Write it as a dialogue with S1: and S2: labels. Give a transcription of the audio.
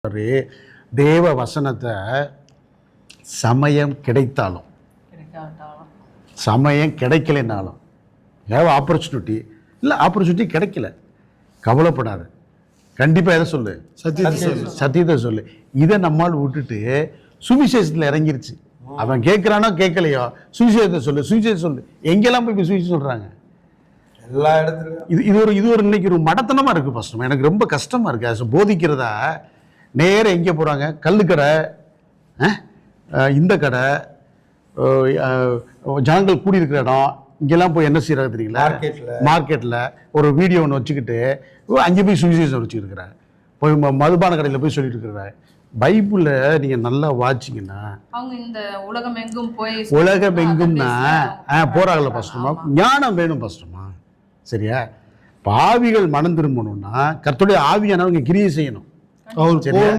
S1: தேவ வசனத்தை சமயம் கிடைத்தாலும் சமயம் கிடைக்கலைன்னாலும் ஆப்பர்ச்சுனிட்டி இல்லை ஆப்பர்ச்சுனிட்டி கிடைக்கல கவலைப்படாது. கண்டிப்பாக எதை சொல்லு? சத்தியத்தை சொல்லு. இதை நம்மால் விட்டுட்டு சுவிசேஷத்தில் இறங்கிருச்சு. அவன் கேட்குறானோ கேட்கலையோ சுவிசேஷத்தை சொல்லு, சுவிசேஷம் சொல்லு. எங்கெல்லாம் போய் சுவிசேஷம் சொல்கிறாங்க?
S2: எல்லா இடத்துலையும்.
S1: இது ஒரு இன்னைக்கு ஒரு மடத்தனமாக இருக்குது. ஃபஸ்ட்டு எனக்கு ரொம்ப கஷ்டமாக இருக்குது. அது போதிக்கிறதா நேராக எங்கே போகிறாங்க? கல்லுக்கடை, இந்த கடை, ஜனங்கள் கூடியிருக்கிற இடம், இங்கெல்லாம் போய் என்ன செய்கிறாங்க தெரியுங்களா? மார்க்கெட்டில் ஒரு வீடியோ ஒன்று வச்சுக்கிட்டு அங்கே போய் சுவிசேஷம் வச்சுருக்கிறாங்க. போய் மதுபான கடையில் போய் சொல்லிட்டு இருக்கிறாங்க. பைபிளில் நீங்கள் நல்லா வாட்சிங்கன்னா உலகம் எங்கும்னா போறாங்கல்ல பஸ்டமா, ஞானம் வேணும் பஸ்டமா. சரியா? பாவிகள் மனம் திரும்பணும்னா கர்த்தருடைய ஆவியானவங்க கிரியை செய்யணும். சரியா?